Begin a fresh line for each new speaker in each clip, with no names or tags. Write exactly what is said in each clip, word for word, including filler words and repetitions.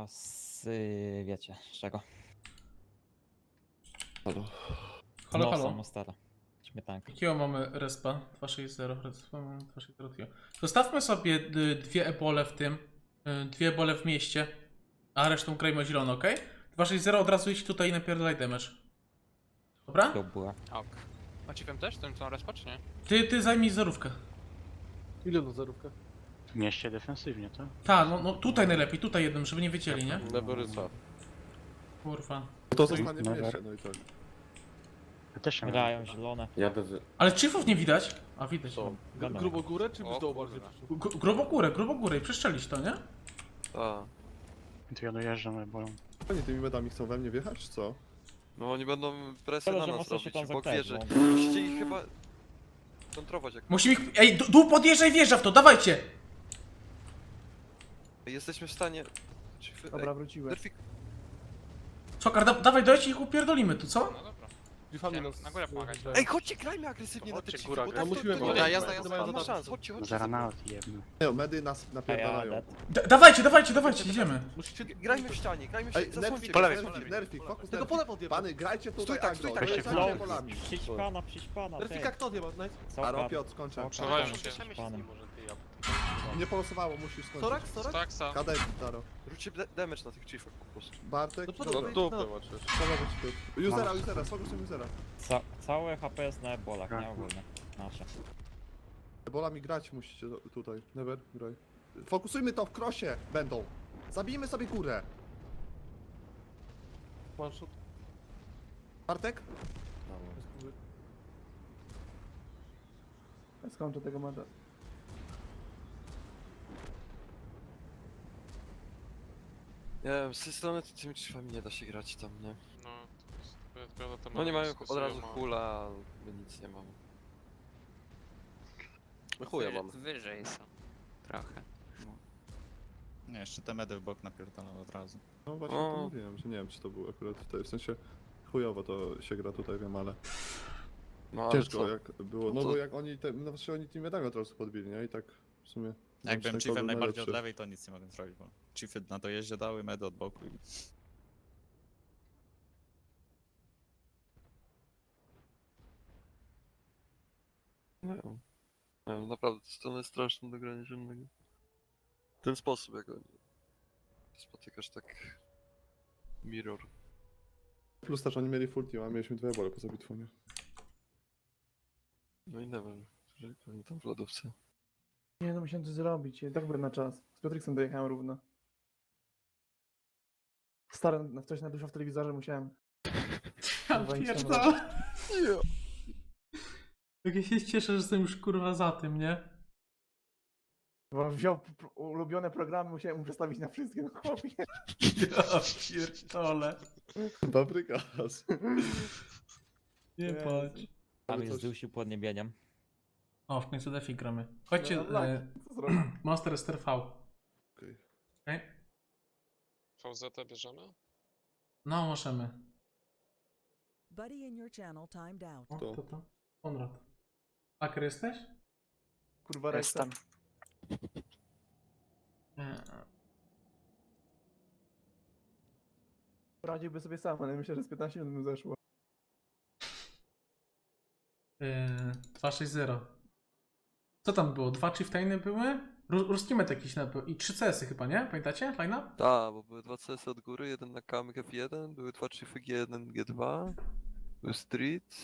z... y, wiecie, z czego?
Halo.
Halo,
No,
halo.
Samostara. Śmietanka.
Jakiego mamy respa? dwa sześć zero, respa mamy dwa sześć zero. Zostawmy sobie y, dwie ebole w tym, y, dwie ebole w mieście, a resztą grajmy o zielono, ok? dwa sześć zero od razu idź tutaj i napierdalaj damage. Dobra?
To była.
Ok. Macie wiem też, tym co respa, czy nie?
Ty, ty zajmij zerówkę.
Ile na zerówkę?
W mieście defensywnie, tak?
Tak, no, no tutaj najlepiej, tutaj jednym, żeby nie wiedzieli, nie?
Neberyca.
Kurwa.
To zostanie w
Never.
mieście, no i tak.
Ja też się
Grają zielone.
Jadę z...
Ale chiefów nie widać. A widać.
Co?
Wiadomo.
Grubo górę czy
O,
w dołu
kurwa.
bardziej?
G- grubo górę, grubo górę i przeszczelić to, nie?
A,
To ja dojeżdżam ebolą.
Oni tymi medami chcą we mnie wjechać, czy co?
no oni będą presję
Tyle,
na
że
nas
mocno się
robić,
tam
bo
zakręć,
wierzę.
bo-
Musicie ich chyba kontrować jak...
Musimy ich... Ej, d- dół podjeżdżaj, wjeżdża w to, dawajcie!
Jesteśmy w stanie... Czy...
Dobra, wróciłem.
Derfik...
Czokar, da dawaj, dajcie ich upierdolimy tu, co?
No dobra.
Grifami
Chciałem
nas...
na górę pomagać.
Ej, chodźcie, grajmy agresywnie na te
Chodźcie,
chiefy,
góra,
bo
gra.
tak
No
to,
musimy
to nie
pomagać.
ma
Jazda, jazda,
nie ma
jazda.
szans, chodźcie, chodźcie.
Za ranaut jedno.
Nie, medy nas
A ja
napierdalają.
dead.
D dawajcie, dawajcie, dawajcie, idziemy.
Musicie...
Grajmy w ścianie, grajmy w
Ej,
ścianie, zasłońcie
nerfik,
go.
lewej,
nerfik,
po lewej.
nerfik, fokus
Tylko po
nerfik.
lewo odjebał.
Pany, grajcie tutaj
Stój tak,
agro,
stój tak,
dojeżdżajcie
stój tak.
Flow,
polami.
przyćpana, przyćpana, ty.
Nerfika kto odjebał? Nice.
Co,
Aro,
Pat?
Piotr, skończę.
Co,
Przewają
Pat?
się.
Przyćpanym.
Nie polosowało, musisz skończyć.
Sorak, Sorak?
Staksa.
Kadek, Taro.
Róbcie da- damage na tych chiefach po prostu.
Bartek,
No to
dobra.
dobra. No,
Pomogę ci Piotr. Usera, usera, fokusem usera.
Ca całe H P jest na ebolach, nie ogólnie. Nasze.
Bolami grać musicie do- tutaj. Never, graj. Fokusujmy to w krosie, będą. Zabijmy sobie górę. Bartek?
Ja skończę tego mecza.
Nie wiem, z tej strony to tymi chiefami nie da się grać tam, nie?
No, to jest prawda, to
No nie mają
dyskusję
od razu
ma-
hula, a my nic nie mamy.
No chuja mam.
Wyżej są. Trochę.
Nie, jeszcze te medy w bok napierdolą od razu.
No właśnie
O.
to mówiłem, że nie wiem czy to był akurat tutaj, w sensie chujowo to się gra tutaj, wiem, ale
No ale
ciężko
co?
jak było,
No
no
to-
bo jak oni, te, no właśnie oni tymi medami od razu podbili, nie? I tak w sumie...
Jak byłem
ten
chiefem
kodol
najbardziej od
najlepszy.
lewej, to nic nie mogłem zrobić, bo chiefy na dojeździe dały, medy od boku i...
Nie wiem. Nie wiem, naprawdę, to strona jest straszna do grania zielonego. W ten sposób, jak oni... Spotykasz tak... Mirror.
Plus też oni mieli full team, a mieliśmy dwie bole poza bitwą, nie?
No i nie wiem, że oni tam w lodówce.
Nie no, musiałem coś zrobić. Ja tak byłem na czas. Z Piotriksem dojechałem równo. Stary, na coś na dużo w telewizorze musiałem.
Ja
Kurwa, nic nie
pierdolę. Jak ja się cieszę, że jestem już kurwa za tym, nie?
Bo wziął p- p- ulubione programy, musiałem mu przestawić na wszystkie, no chłopie.
Ja pierdolę.
Paprykas.
Nie
Jezu.
patrz.
Tam
Ale
jest
coś-
dusiu podniebieniem.
O, w końcu defi gramy. Chodźcie,
No, tak.
e,
Co zrobić?
Monster S T R V.
Okej.
Okej?
V Z bierzemy?
No, możemy.
Buddy in your channel timed out.
O,
To.
to to. Konrad. Haker jesteś?
Kurwa reszta.
Jestem.
Nie.
Poradziłby sobie sam, ale myślę, że z piętnaście minut mu zeszło.
Yy, dwa sześć zero. Co tam było? Dwa chieftainy były? Ru Ruski met jakiś na i trzy C S-y chyba, nie? Pamiętacie? Line up?
Tak, bo były dwa C S od góry, jeden na kamyk F jeden, były dwa chiefy G jeden, G dwa, był street.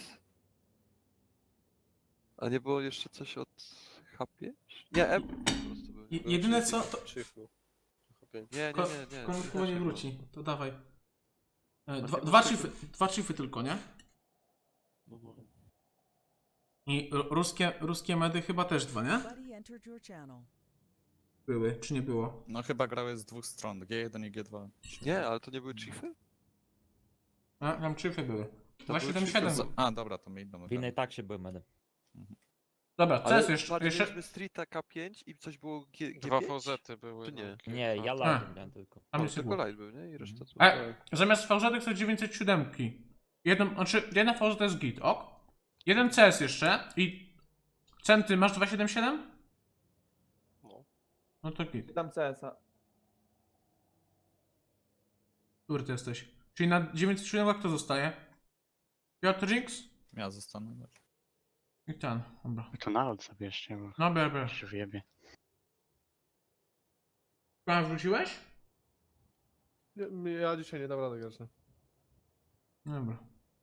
A nie było jeszcze coś od H pięć? Nie, M po prostu był.
Je
Były
jedyne
chiefy.
co... To...
Nie, nie,
Ko
nie, nie.
Konrad chyba nie wróci. To dawaj. E, dwa,
Właśnie
dwa,
muszę-
chiefy, dwa chiefy tylko, nie?
No, no.
I ru- ruskie, ruskie medy chyba też dwa, nie?
Buddy entered your channel.
Były, czy nie było?
No chyba grały z dwóch stron, G jeden i G dwa.
Nie, ale to nie były chiefy?
A, tam chiefy były.
To
dwa siedem
chiefy
siedem.
za-
A, dobra, to my idą.
W innej tak się były medy.
Dobra, co
Ale
jest jeszcze?
bardziej
jeszcze...
mieliśmy streeta K pięć i coś było G,
Dwa
G5?
V Z były.
Czy nie?
no.
Nie, ja
A.
live miałem tylko.
Tam
No,
jest
tylko
było.
light był, nie? I reszta to...
E, zamiast V Z są dziewięćset siedem. Jeden, znaczy, jedna V Z to jest git, ok? Jeden C S jeszcze i... Centy masz dwa siedem siedem?
No.
No to git.
Dam C S a.
Który ty jesteś? Czyli na dziewięćset siedem kto zostaje? Piotrix?
Ja zostanę.
I ten, dobra.
To nalot zabierzcie, bo
No bier, bier.
się wyjebie.
Pan wrzuciłeś?
Nie, ja dzisiaj nie dam rady grać. nie?
Dobra.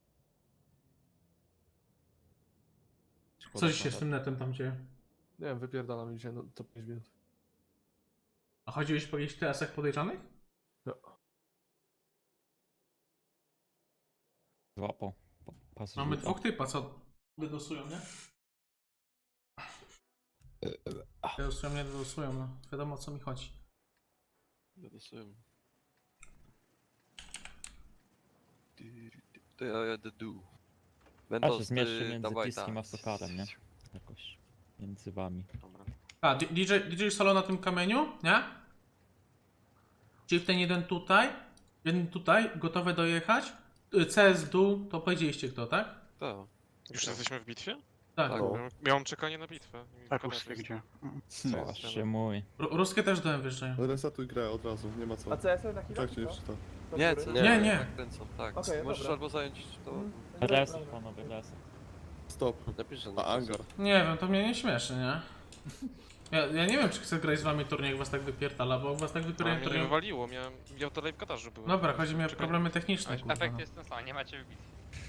Szkoda,
Co dziś się
szkoda.
z tym netem tam dzieje?
Nie wiem, wypierdalam dzisiaj no, to pięć minut.
A chodziłeś po jakichś T S-ach podejrzanych?
Złapał. Pa- pas
Mamy
rzuta.
dwóch typa, co dedosują, nie? Dedosują, nie dedosują, no. Wiadomo o co mi chodzi.
Zadosujemy. To ja jadę dół.
A
Będą
się
z-
zmierzcie
y,
między
dawaj,
Tiskiem
tak.
a Sokarem, nie? Jakoś między wami.
Dobra.
A, D- DJ, D J solo na tym kamieniu, nie? Czyli ten jeden tutaj, jeden tutaj, gotowe dojechać. Y, C S w dół, to powiedzieliście kto, tak?
Tak.
Już jesteśmy w bitwie?
Tak.
Tak.
Miałem- Miałem czekanie na bitwę. I
Tak,
koniec
ruskie
jest.
gdzie?
Właśnie mój.
Ru- Ruskie też dołem wyjeżdżają.
Resetuj grę od razu, nie ma co.
A C S na chwilę?
Tak się nie
co?
czyta.
Do
Nie,
góry?
co
Nie, nie.
Tak kręcą, tak.
Okej,
Możesz
dobra.
albo zająć to...
Mm.
Reset, panowie, reset.
Stop.
Napisz, że
A Angar.
Nie wiem, to mnie nie śmieszy, nie? Ja, ja nie wiem, czy chcę grać z wami turniej, jak was tak wypierdala, bo jak was tak
A
wypierdala
mnie nie
turniej...
wywaliło, miałem... Ja dalej w Katarze byłem.
Dobra, chodzi mi o
Czekaj.
problemy techniczne, kurwa.
Efekt
No.
jest ten sam, nie macie w bitwie.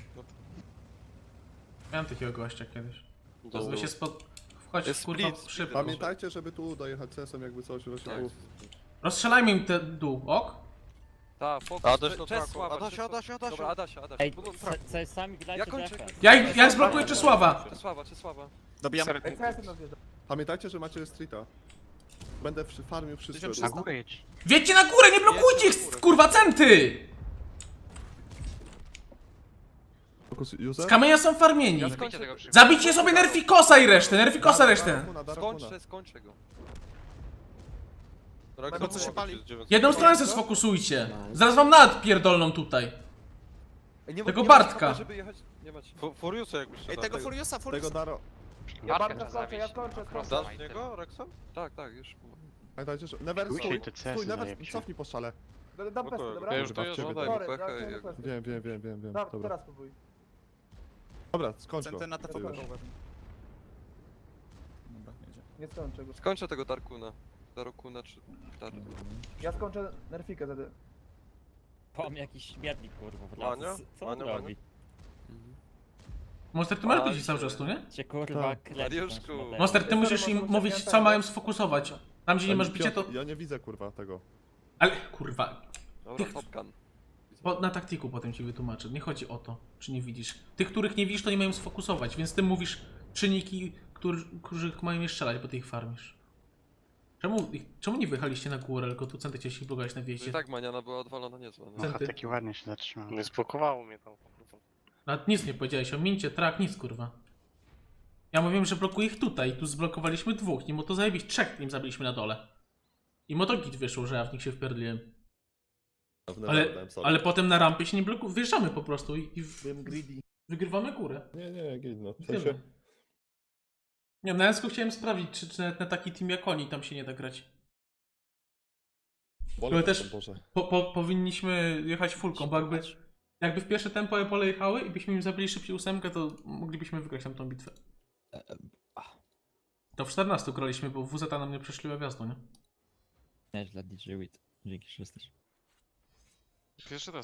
Miałem takiego gościa kiedyś.
Do...
Wy się spod... Wchodź,
Jest
kurwa,
split,
szybko.
split.
Pamiętajcie, żeby tu dojechać C S-em jakby coś, właśnie
Tak.
tu.
Rozstrzelajmy im te dół, ok?
Tak, fokus.
Adaś
Cze-
na
Czes
traku.
Sława,
Adasia,
Czes-
Adasia, Adasia.
Dobra, Adasia, Adasia.
Ej,
Będą
C- CS-ami grajcie
Ja kończę.
defense.
Ja, ich- ja zblokuję Czesława!
Czesława, Czesława.
Dobijamy.
Ej, C S nas wjeżdża.
Pamiętajcie, że macie streeta. Będę przy farmił wszystko.
tysiąc
Na
trzysta.
górę jedź.
Wiedźcie na górę, nie blokujcie ich, kurwa, centy!
Focus
Z
user?
kamienia są farmieni.
Zbicie tego przy...
Zabicie sobie Nerfikosa i resztę, Nerfikosa resztę.
Darakuna, Darakuna.
Skończę, skończę go.
Będą
co się pali?
Jedną stronę se sfokusujcie. Zaraz wam nawet pierdolną tutaj.
Ej, nie,
Tego
nie
Bartka.
macie, żeby jechać... Nie macie.
Furiusa jakbyś
Ej, tego Furiusa,
Tego
Furiusa.
Daro...
Ja
Bartka
bardzo
trzeba
skończę, ja
zabić.
skończę,
Crossa
skończę.
ma i tyle.
niego, Rexon?
Tak, tak, już.
Pamiętajcie, że... Never,
Pójdźcie
stój,
i te
stój,
C S-y
Never,
zajebcie.
cofnij po szale.
Dam- Dam pesty, dobra?
Ja już
Kurwa, w
dojeżdżam.
ciebie
Daj,
to-
Sorry,
pechę
ja
i-
chciałem pesty.
Wiem, wiem, wiem, wiem, wiem.
Dobra,
Dobra,
teraz próbuj.
dobra skończ go.
Centy na T V
Ty
P.
już.
Dobra, jedzie.
Nie skończę go.
Skończę tego Darkuna. Darkuna czy... Dar...
Ja skończę Nerfikę wtedy.
Pom jakiś śmietnik, kurwa, w
Ania?
lasu. Co on
Ania,
robi?
Monster, ty masz
A,
ludzi cały
się-
czas tu, nie?
Cię kurwa
Tak.
kręci
Mariuszku.
tą szmatę.
Monster, ty
Sorry,
musisz im
może
mówić,
muszę
co
nie
mają
tak.
sfokusować. Tam, gdzie nie masz bicia, to...
Ja nie widzę kurwa tego.
Ale, kurwa,
Dobra,
Tych-
Top Gun.
po, na taktiku potem ci wytłumaczę. Nie chodzi o to, czy nie widzisz. Tych, których nie widzisz, to nie mają sfokusować, więc ty mówisz czynniki, którzy, których mają je strzelać, bo ty ich farmisz. Czemu, ich- czemu nie wyjechaliście na górę, tylko tu centy chcieliście blokować na
I
wjeździe?
tak maniana była odwalona niezła. No.
Centy.
Aha, taki ładnie się zatrzymał.
Nie zblokowało mnie tam.
Nawet nic nie powiedziałeś o mincie, trak, nic kurwa. Ja mówiłem, że blokuję ich tutaj, tu zblokowaliśmy dwóch, nim to zajebić trzech nim zabiliśmy na dole. I motogit wyszło, że ja w nich się wpierdliłem. Ale, ale potem na rampie się nie blokuje, wjeżdżamy po prostu i, i w,
Byłem greedy.
wygrywamy górę.
Nie, nie, git, no.
I
W sensie...
tyle. Nie, na Ensku chciałem sprawdzić, czy, czy nawet na taki team jak oni tam się nie da grać.
Wolę
Ale też-
Boże.
Po, po, powinniśmy jechać fullką, bo jakby, jakby w pierwsze tempo pole jechały i byśmy im zabili szybciej ósemkę, to moglibyśmy wygrać tam tą bitwę. To w czternastu graliśmy, bo W Z nam nie przeszliła gwiazdą, nie?
Nieźle, D J Wit. Dzięki, że jesteś.
Pierwszy raz